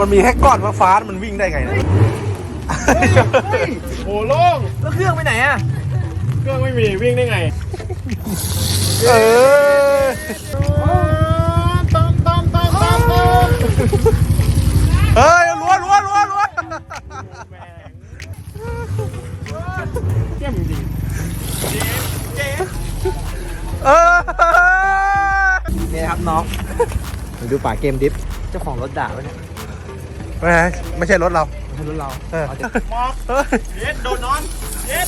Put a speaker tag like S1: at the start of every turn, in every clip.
S1: มันมีแค่ก้อนฟ้ามันวิ่งได้ไงเนี่ย
S2: โอ้โล่ง
S3: แล้วเครื่องไปไหนอะ
S2: เครื่องไม่มีวิ่งได้ไงต้ม
S1: เฮ้ยล้วน
S2: เยี่ยมจริง
S3: นี่ครับน้องดูป่าเกมดิฟเจ้าของรถด่าไว้เนี่ย
S1: ไม่ใช่รถเรา
S3: ไม่ใช่รถเรา
S2: มอกเย็ดโดนนอนเย็ด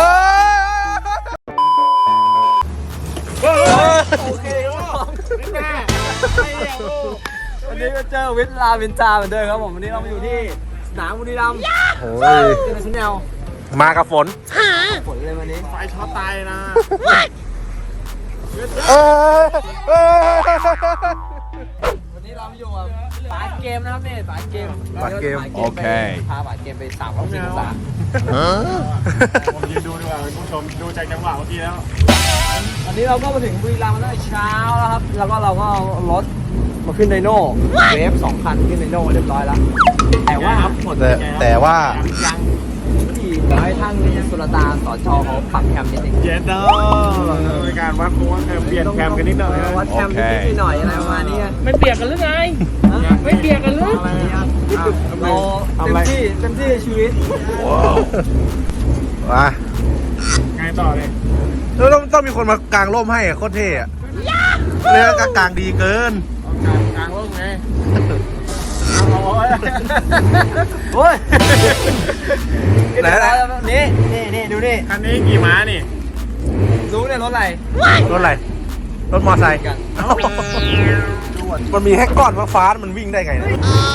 S2: โอเคไม่แน่
S3: วันนี้ก็เจอวิทลาวินจาเหมือนเดิมครับผมวันนี้เรามาอยู่ที่สนามบุรีรัมย์
S1: โอ้ย
S3: เจอในชุดแนว
S1: มากับฝน
S3: เลยวันนี้
S2: ไฟช็อตตายนะ
S3: วันนี้เราอยู่กับป่าเกมนะครับเนี่ยป่าเกม
S1: โอเค
S3: พาป่าเกมไป360 องศา
S2: ผมยืนดูดีกว่าคุณผู้ชมดูจากจังหวะเมื่อกี้แล้ว
S3: วันนี้เราก็มาถึงบุรีรัมย์มาตั้งแต่เช้าแล้วครับแล้วก็เราก็เอารถมาขึ้นไดโน่เวฟ2 คันขึ้นไดโน่เรียบร้อยแล้วแต่ว่าหมด
S1: แต่ว่า
S3: ยังที่ขอให้ท่านสุรตาสจเขาปรับแคมนิดนึง
S2: เจ็ดเด้อในการวัดเปลี่ยนแคมกันนิดหน่อย
S3: วัดแคมนิดหน่อยอะไรประมาณนี้
S4: ไม่เปียกกันหรือไงไม่เปียกกันหรือ
S3: เราเต็มที่ชีวิต
S1: ว้า
S2: ไงต่อเลย
S1: ต้องมีคนมากางร่มให้โคตรเท่อะเรื่องกางดีเกิน
S2: กางร่มไง
S3: โอ้ยนี่ดูนี่
S2: คันนี้กี่ม้านี่
S3: รู้เนี่ยรถอะไร
S1: รถมอไซค์มันมีแค่ก้อนฟ้ามันวิ่งได้ไงเนี่ย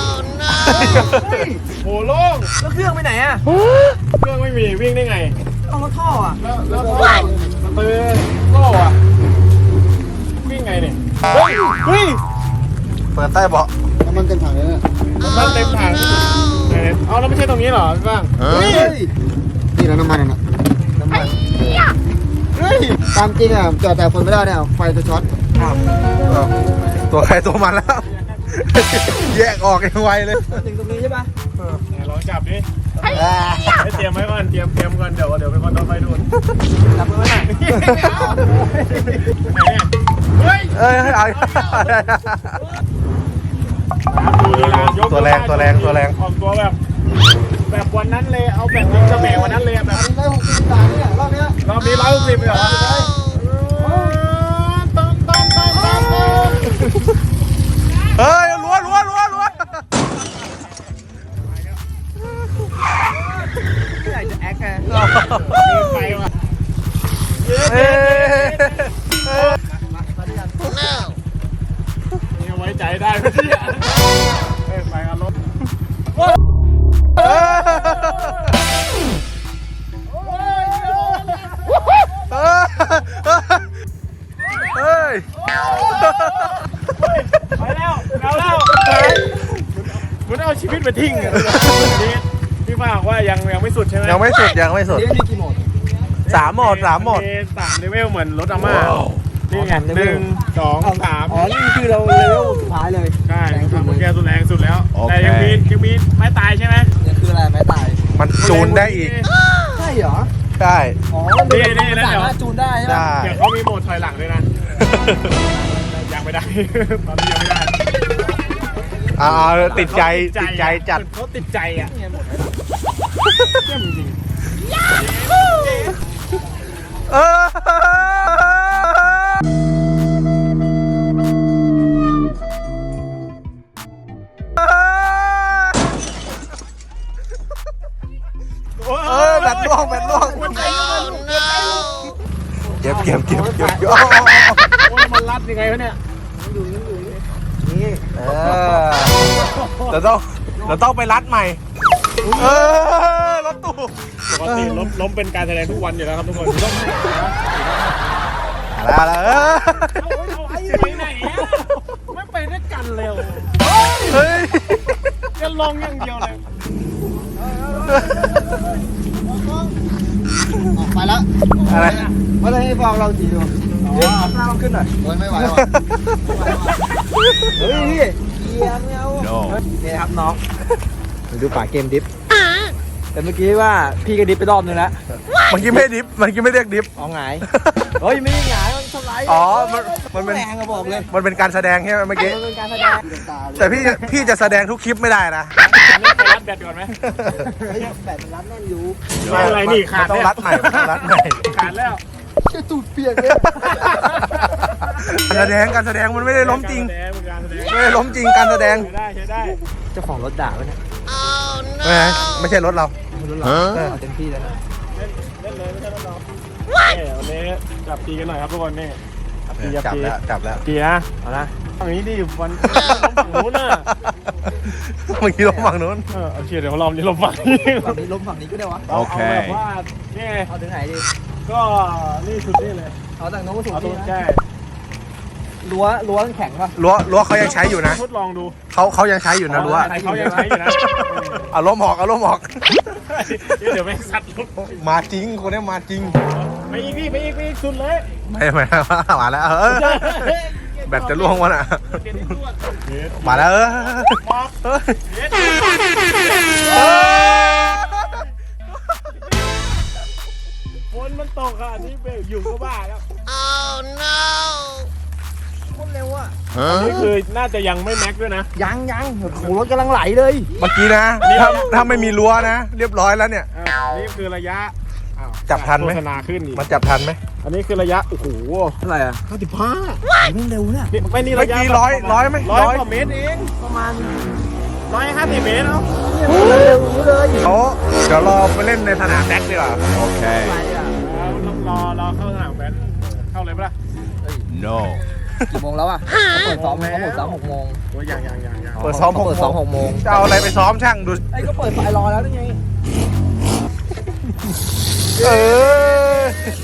S2: โอ้โล่ง
S3: แล้วเครื่องไปไหนอะ
S2: เครื่องไม่มีวิ่งได้ไง
S3: เอารถท่ออะ
S2: แล้วท่อสเตอร์โล่อะวิ่งไงเนี่ยเฮ้ย
S1: เปิดใต้เบาะ
S5: น้ำมันเต็มถังเลยเนี่ย
S2: น้ำมันเต็มถังเอาแล้วไม่ใช่ตรงนี้หรอพี่บ้าง
S5: นี่นะน้ำมันนะน้ำมันตามจริงอ่ะแต่คนไม่ได้เนี่ยไฟจะช็อต
S1: ตัวใครตัวมันแล้วแยกออกยังไวเลย
S3: ถึงตรงนี้ใช่ปะ
S2: ลองจับดิให้เตรียมไว้ก่อนเตรียมก่อนเดี๋ยวเป็นคนต่อไปดู
S3: จับมือไว้หน่อย
S1: เอาตัวแรงออกตัว
S2: แบบวันนั้นเลยเอาแบบยิงเสมวันนั้นเลยแบบ
S5: 160 บาทเนี่ยรอบนี้
S2: 160เลยเหรอ
S1: เฮ้ยล้วน
S3: ไม่อยากจะแอคไง
S2: ไปว่ะนี่ไว้ใจได้ไหมเนี่ยไปกันรถไปแล้วมันเอาชีวิตไปทิ้งอ่ะพี่ป้าบอกว่ายังไม่สุดใช่ไหม
S1: ยังไม่สุด
S3: นี่มีกี่โหมด
S1: 3 โหมด
S2: 3 เลเวลเหมือนรถอาม่านี่ไง1 2 3
S3: อ๋อนี่คือเราเลเวลสุดท้ายเลย
S2: ใช่เมื่อกี้สุดแรงสุดแล้วแต่ยังมีไม่ตายใช่ไหม
S3: นี่คืออะไรไม่ตาย
S1: มันจูนได้อีก
S3: ใช่เหรอ
S1: ใช่
S3: อ๋อนี่สามารถจูนได้ใช่ไหม
S2: เดี๋ยวเขามีโหมดถอยหลังด้วยนะยังไม่ได้ตอนนี้ยังไม่ได้
S1: ติดใจจัด
S2: เขาติดใจอ่ะเยี่ยมจริง
S1: แบตล่วงเก็บ
S2: โอ้ยมันรัดยังไงวะเนี่ย
S1: นี่เราต้องไปรัดใหม่รถตู้
S2: ปกติล้มเป็นการแสดงทุกวันอยู่แล้วครับทุกคนต้อง
S1: แล้ว
S2: เอาไอ้ไปไหนไม่ไปด้วยกันเร็วจะลงอย่างเดียวเลย
S5: ไปแล้ว
S1: อะไร
S5: ว่าจะให้ฟองเราจีดู
S3: หน้าเราขึ้นหน่อย
S5: โอ้ยไม่ไหวหรอ
S3: เฮ้ยบียร์ไม่เอานี่ครับน้องดูป่าเกมดิฟแต่เมื่อกี้ว่าพี่ก็ดิฟไปรอบนึงแล้ว
S1: เมื่อกี้ไม่ดิฟเมื่อกี้ไม่เรียกดิฟ
S3: เอาหงายเฮ้ยไม่ได้หงายมันสไลด์
S1: อ๋อมันเป็น
S3: แรงอะบอกเลย
S1: มันเป็นการแสดงใช่ไหมเมื่อกี้
S3: มันเป็นการแสดง
S1: แต่พี่จะแสดงทุกคลิปไม่ได้นะ
S2: นี่ไปรัดแบตก่อนไหม
S3: แบบมันรัดแน่นอยู่
S2: ไม่อะไรนี่ขาด
S1: ต้อง
S2: แล้ว
S1: รัดใหม่ต้องรัดใหม่
S2: ขาดแล้ว
S5: เชี่ยตูดเปียกเลย
S1: การแสดงมันไม่ได้ล้มจริง
S2: การแสดง
S1: ไม่ได้ล้มจริงการแสดง
S2: ใช้ได้ใช้ได้
S3: เจ้าของรถด่าไว้เนี่ย
S1: ไม่ใช่รถเรา
S3: รถเราเอาเต็มที่แล้วนะ
S2: เล่นเลยไม่ใช่เราวันนี้จับตีกันหน่อยครับทุกคนนี่จับตี
S1: จับแล้ว
S2: ตีนะเอาละฝั่งนี้ดิวันฝั่งนู้นน่ะ
S1: เมื่อกี้ล้มฝั่งนู้น
S2: โอเคเดี๋ยวเรานี้ลงฝั่งนี้
S3: ฝั่งนี้ล้มฝั่งนี้ก็ได้วะ
S2: เอาแบบว่านี่
S3: เอาถึงไหนดี
S2: ก็นี่สุดนี่เลย
S3: เอาจากโน้นมาสู่
S2: เอาตร
S3: นี่
S2: ง
S3: นะ
S2: แก้
S3: รั้วแข็งป่ะ
S1: รั้วเขายังใช้อยู่นะ
S2: ทดลองดู
S1: เขายังใช้อยู่นะรั้ว
S2: ใครเขายังใช้อยู่นะ
S1: เอาล้มออกเอาล้มออก
S2: เดี๋ยวไม่สัตว์ลุก
S1: มาจริงคนนี้มาจริง
S2: ไปอีกพี่ไปอีกสุดเลย
S1: ไม่มาแล้วแบตจะล่วงวะน่ะมาแล้ว
S2: ฝนมันตกอ่ะนี่เบลอยู่ก็บ้าแล้ว
S3: คนเร็วอ่ะ
S2: นี่คือน่าจะยังไม่แม็กด้วยนะ
S3: ยังโอ้โหรถกำลังไหลเลย
S1: เมื่อกี้นะถ้าไม่มีรั้วนะ เรียบร้อยแล้วเนี่ย
S2: นี่คือระยะ
S1: จับทันไหม
S2: โฆษณาขึ้นอีก
S1: มันจับทันไหม
S2: อันนี้คือระยะโอ้โห
S3: เท่าไหร่อ่ะ
S2: 55
S3: เร็วเนี่ย
S2: นี่ไม่นี่
S1: เมื่
S2: ระ
S1: อย
S2: ะ
S1: กี้ร้อยไหม
S2: ร้อยกว่าเมตรเอง
S3: ประมาณ
S2: 150 เมตรเนาะ
S3: เร็วนี้เลย
S1: เขาเดี๋ยวรอไปเล่นในสนามแบ็กดีกว่าโอเค
S3: อะไรอ่ะ
S2: รอเข้าสนามแบดเข้าเลยปะล่ะ
S1: no
S3: กี่โมงแล้วอ่ะเปิดซ้อมเขาเปิดซ้อม6 โมง
S2: โอ้ยยัง
S1: เปิดซ้อม
S3: เปิดซ้อม6 โมง
S1: จะเอาอะไรไปซ้อมช่างดู
S3: ไอ้ก็เปิดไฟรอแล้วนี่ไง
S1: เออ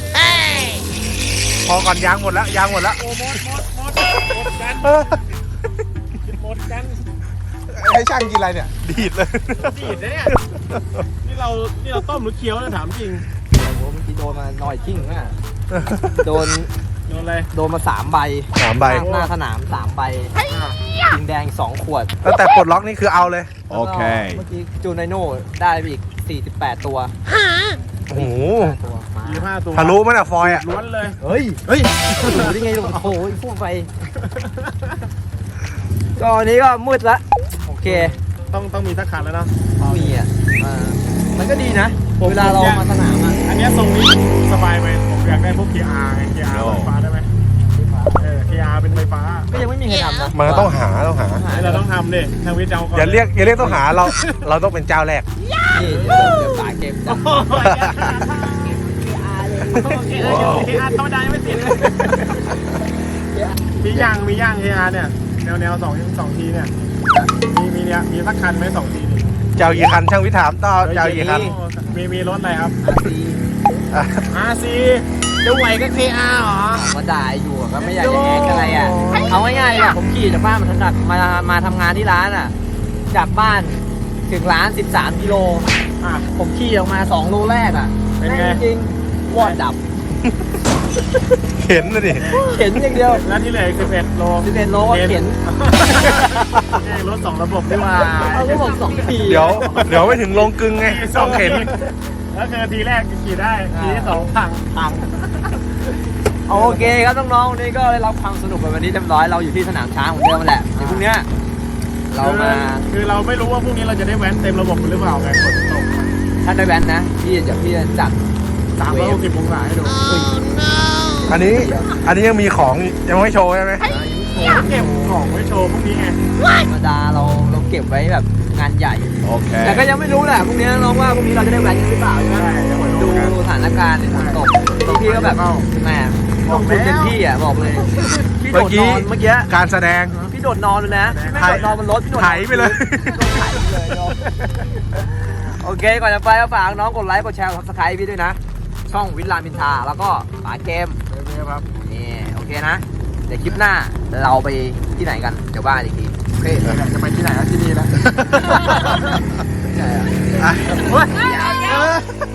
S1: พอก่อนยางหมดแล้ว
S2: โอ้หมดกัน
S1: เออ
S2: หมดกัน
S1: ให้ช่างกินอะไรเนี่ย ดีดเลย
S2: ดีดนะเนี่ยนี่เราต้มหรือเคี้ยวนะถามจริง
S3: โอ้โหเมื่อกี้โดนมาหน่อยชิ่งอ่ะโดน
S2: โดนอะไร
S3: โดนมา3 ใบ
S1: 3 ใบ
S3: หน้าสนาม3 ใบยิงแดง2 ขวด
S1: ตั้งแต่ปลดล็อกนี่คือเอาเลย
S3: โอเคเมื่อกี้จูนไนโน่ได้ไปอีก48 ตัว
S1: โอ้โห
S3: ตัวมา
S2: 25 ตัว
S1: ทะลุมั้ยน่ะฟอยล์อ่ะ
S2: ล้วนเลย
S3: เฮ้ยรู้ได้ไงลูกโอ้โหพูดไปก็อันนี้ก็มืดละโอเค
S2: ต้องมีสักคันแล้วเนาะ
S3: มีอ่ะมันก็ดีนะ เวลาเรามาสนามอ่ะ
S2: อันเนี้ยทรงนี้สบายไหมผมอยากได้พวก KR ไง KR ไฟฟ้าได้ไหมKR เป็นไฟฟ้า
S3: ก็ยังไม่มีใครทำนะ
S1: มันก็ต้องหา
S2: เราต้องทำดิทางวิทย์จะเอาก่อน
S1: อย่าเรียกต้องหาเราต้องเป็นเจ้าแรก
S3: นี่เดี๋ยวสายเกมจับ
S2: KR ธรรมดายังไม่ติดเลยมีย่าง KR เนี่ยแนว2ทีเนี่ยมีสักคันไหม2ทีนี่
S1: เจ้ากี่คันช่างวิถามต่อเจ้ากี่คัน
S2: มีรถอะไรครับ
S3: อาซี
S2: RC จะไหวก็ KR เหรอ
S3: มาด่าอยู่ก็ไม่อยากจะแอกอะไรอ่ะเอาง่ายๆเลยผมขี่จากบ้านมาทำงานที่ร้านอ่ะจากบ้านถึงร้าน13 กิโล
S2: อ่ะ
S3: ผมขี่ออกมา2 โลแรกอ่ะ
S2: เป็นไง
S3: จริงๆวอดดับ
S1: เข็นนะดิ
S3: เข็นอย่างเดียว
S2: แล้วที่เหลือ11 โล
S3: 11 โลก็เข็น
S2: รถ2 ระบบดีกว่า
S3: เอาก็บอก2 ที
S1: เดี๋ยวไม่ถึงลงกึ่งไงต้องเข็น
S2: แล้วคือทีแรกขี่ได้ทีที่2พัง
S3: โอเคครับน้องๆวันนี้ก็ได้รับความสนุกไปวันนี้เรียบร้อยเราอยู่ที่สนามช้างเหมือนเดิมแหละเดี๋ยวพรุ่งเนี้ยเรามา
S2: คือเราไม่รู้ว่าพรุ่งนี้เราจะได้แว้นเต็มระบบหรือเปล่าไงฝนตก
S3: ถ้าได้แบนนะพี่จะจัด
S2: 360 องศาให้ดู
S1: อันนี้ยังมีของยังไม่โชว์ใช่ไหม
S2: เก็บของไว้โชว์พรุ่งนี้ไง
S3: ธรรมดาเราเก็บไว้แบบงานใหญ่
S1: โอเค
S3: แต่ก็ยังไม่รู้แหละพรุ่งนี้น้องว่าพรุ่งนี้เราจะได้แบนหรือเปล่าใช่ไหม
S2: ใช่เดี๋ยวมา
S3: ดู
S2: ดูกัน
S3: สถานการณ์ในฝนตกพี่ก็แบบแหมลงทุนเต็มที่อ่ะบอกเลยพี่โดดนอนเมื่อกี้
S1: การแสดง
S3: พี่โดดนอนเลยนะพี่ไม่โดดนอนบนรถพี่โดดนอน
S1: ไถไปเลย
S3: ไถไปเลยโอเคก่อนจะไปก็ฝากน้องกดไลค์กดแชร์กด Subscribe พี่ด้วยนะ ช่องวิทย์รามอินทราแล้วก็ป๋าเกม
S2: ครับ
S3: นี่โอเคนะ เดี๋ยวคลิปหน้าเราไปที่ไหนกันเดี๋ยวว่าอีกทีโอเค
S2: จะไปที่ไหนก็ที่นี่แล้ว
S3: ใช่อะ
S1: อ่ะ
S3: เฮ้ย